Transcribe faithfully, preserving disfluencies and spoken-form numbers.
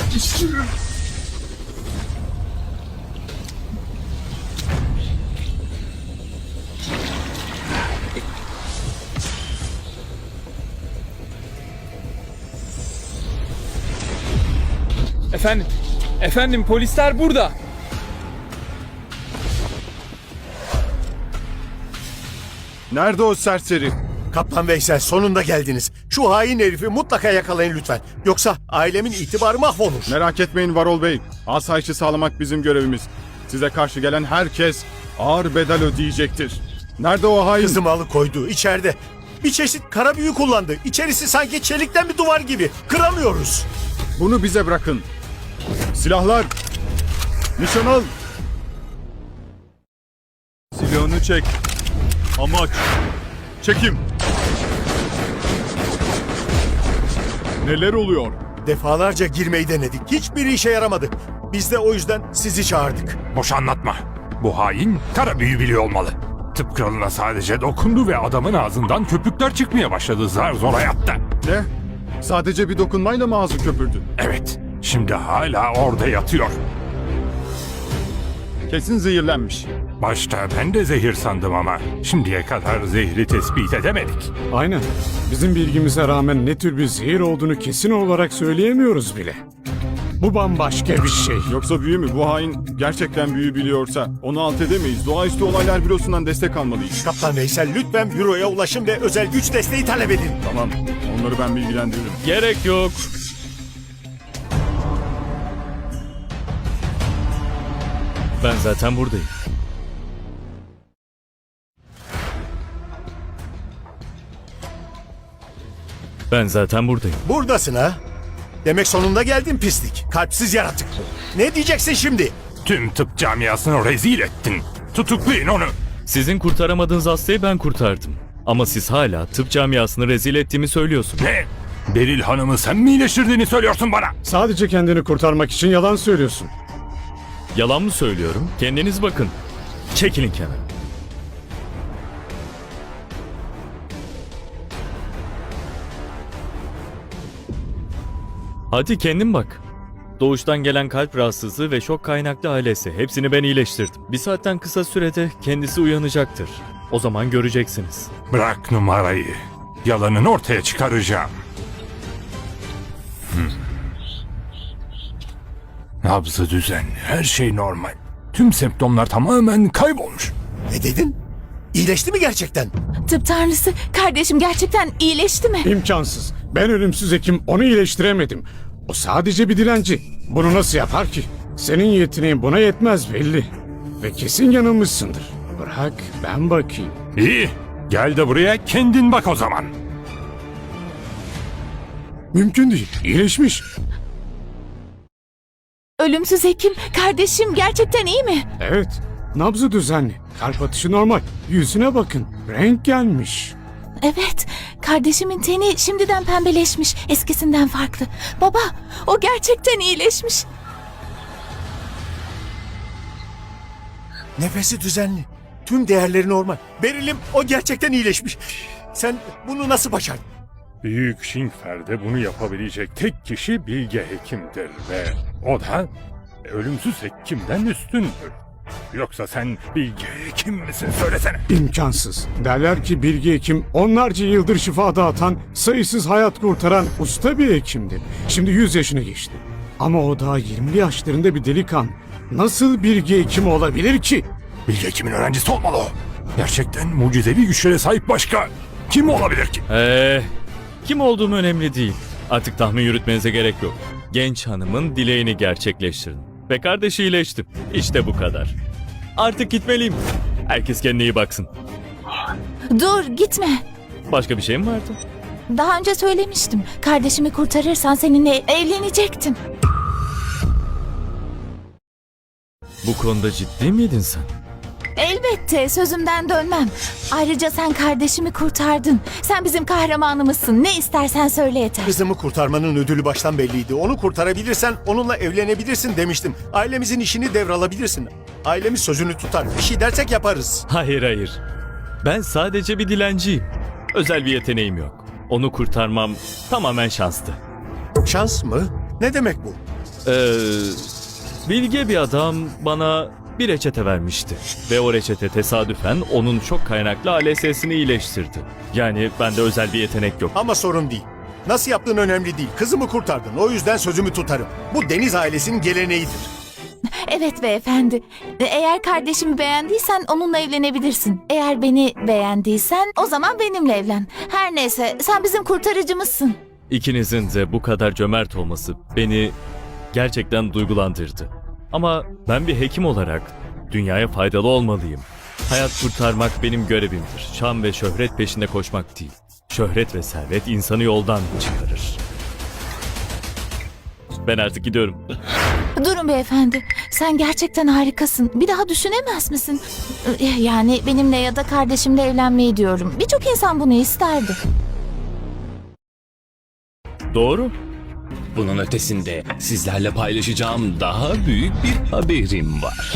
Efendim, efendim polisler burada. Nerede o serseri? Kaptan Veysel, sonunda geldiniz. Şu hain herifi mutlaka yakalayın lütfen. Yoksa ailemin itibarı mahvolur. Merak etmeyin Varol Bey. Asayişi sağlamak bizim görevimiz. Size karşı gelen herkes ağır bedel ödeyecektir. Nerede o hain? Kızımı alıkoydu, içeride. Bir çeşit kara büyü kullandı. İçerisi sanki çelikten bir duvar gibi. Kıramıyoruz. Bunu bize bırakın. Silahlar! Nişan al! Silahını çek. Amaç. Çekim. Neler oluyor? Defalarca girmeyi denedik. Hiçbiri işe yaramadı. Biz de o yüzden sizi çağırdık. Boş anlatma. Bu hain kara büyü biliyor olmalı. Tıp kralına sadece dokundu ve adamın ağzından köpükler çıkmaya başladı zar zor hayatta. Ne? Sadece bir dokunmayla mı ağzı köpürdü? Evet, şimdi hala orada yatıyor. Kesin zehirlenmiş. Başta ben de zehir sandım ama şimdiye kadar zehri tespit edemedik. Aynen. Bizim bilgimize rağmen ne tür bir zehir olduğunu kesin olarak söyleyemiyoruz bile. Bu bambaşka bir şey. Yoksa büyü mü? Bu hain gerçekten büyü biliyorsa onu alt edemeyiz. Doğaüstü olaylar bürosundan destek almalıyız. Kaptan Veysel, lütfen büroya ulaşın ve özel güç desteği talep edin. Tamam, onları ben bilgilendiririm. Gerek yok. Ben zaten buradayım. Ben zaten buradayım. Buradasın ha? Demek sonunda geldin pislik. Kalpsiz yaratık. Ne diyeceksin şimdi? Tüm tıp camiasını rezil ettin. Tutuklayın onu. Sizin kurtaramadığınız hastayı ben kurtardım. Ama siz hala tıp camiasını rezil ettiğimi söylüyorsunuz. Ne? Beril Hanım'ı sen mi iyileştirdiğini söylüyorsun bana? Sadece kendini kurtarmak için yalan söylüyorsun. Yalan mı söylüyorum? Kendiniz bakın. Çekilin kenara. Hadi kendin bak. Doğuştan gelen kalp rahatsızlığı ve şok kaynaklı ailesi. Hepsini ben iyileştirdim. Bir saatten kısa sürede kendisi uyanacaktır. O zaman göreceksiniz. Bırak numarayı. Yalanını ortaya çıkaracağım. Hmm. Nabzı düzenli, her şey normal. Tüm semptomlar tamamen kaybolmuş. Ne dedin? İyileşti mi gerçekten? Tıp tanrısı, kardeşim gerçekten iyileşti mi? İmkansız. Ben ölümsüz hekim onu iyileştiremedim. O sadece bir dilenci. Bunu nasıl yapar ki? Senin yeteneğin buna yetmez belli. Ve kesin yanılmışsındır. Bırak ben bakayım. İyi, gel de buraya kendin bak o zaman. Mümkün değil. İyileşmiş. Ölümsüz hekim, kardeşim gerçekten iyi mi? Evet. Nabzı düzenli. Kalp atışı normal. Yüzüne bakın. Renk gelmiş. Evet, kardeşimin teni şimdiden pembeleşmiş, eskisinden farklı. Baba, o gerçekten iyileşmiş. Nefesi düzenli. Tüm değerleri normal. Beril'im, o gerçekten iyileşmiş. Sen bunu nasıl başardın? Büyük Şingfer'de bunu yapabilecek tek kişi Bilge Hekim'dir ve o da ölümsüz hekimden üstündür. Yoksa sen Bilge Hekim misin söylesene. İmkansız. Derler ki Bilge Hekim onlarca yıldır şifa dağıtan, sayısız hayat kurtaran usta bir hekimdi. Şimdi yüz yaşını geçti. Ama o daha yirmili yaşlarında bir delikanlı. Nasıl Bilge Hekim olabilir ki? Bilge Hekim'in öğrencisi olmalı o. Gerçekten mucizevi güçlere sahip başka kim olabilir ki? Eee, kim olduğum önemli değil. Artık tahmin yürütmenize gerek yok. Genç hanımın dileğini gerçekleştirin. Ve kardeşi iyileşti. İşte bu kadar. Artık gitmeliyim. Herkes kendine iyi baksın. Dur, gitme. Başka bir şey mi vardı? Daha önce söylemiştim. Kardeşimi kurtarırsan seninle evlenecektim. Bu konuda ciddi miydin sen? Elbette, sözümden dönmem. Ayrıca sen kardeşimi kurtardın. Sen bizim kahramanımızsın. Ne istersen söyle yeter. Kızımı kurtarmanın ödülü baştan belliydi. Onu kurtarabilirsen onunla evlenebilirsin demiştim. Ailemizin işini devralabilirsin. Ailemiz sözünü tutar. Bir şey dersek yaparız. Hayır hayır. Ben sadece bir dilenciyim. Özel bir yeteneğim yok. Onu kurtarmam tamamen şanstı. Şans mı? Ne demek bu? Ee, bilge bir adam bana bir reçete vermişti. Ve o reçete tesadüfen onun çok kaynaklı A L S'sini iyileştirdi. Yani bende özel bir yetenek yok. Ama sorun değil. Nasıl yaptığın önemli değil. Kızımı kurtardın. O yüzden sözümü tutarım. Bu Deniz ailesinin geleneğidir. Evet beyefendi. Eğer kardeşimi beğendiysen onunla evlenebilirsin. Eğer beni beğendiysen o zaman benimle evlen. Her neyse sen bizim kurtarıcımızsın. İkinizin de bu kadar cömert olması beni gerçekten duygulandırdı. Ama ben bir hekim olarak dünyaya faydalı olmalıyım. Hayat kurtarmak benim görevimdir. Şan ve şöhret peşinde koşmak değil. Şöhret ve servet insanı yoldan çıkarır. Ben artık gidiyorum. Durun beyefendi. Sen gerçekten harikasın. Bir daha düşünemez misin? Yani benimle ya da kardeşimle evlenmeyi diyorum. Birçok insan bunu isterdi. Doğru. Bunun ötesinde sizlerle paylaşacağım daha büyük bir haberim var.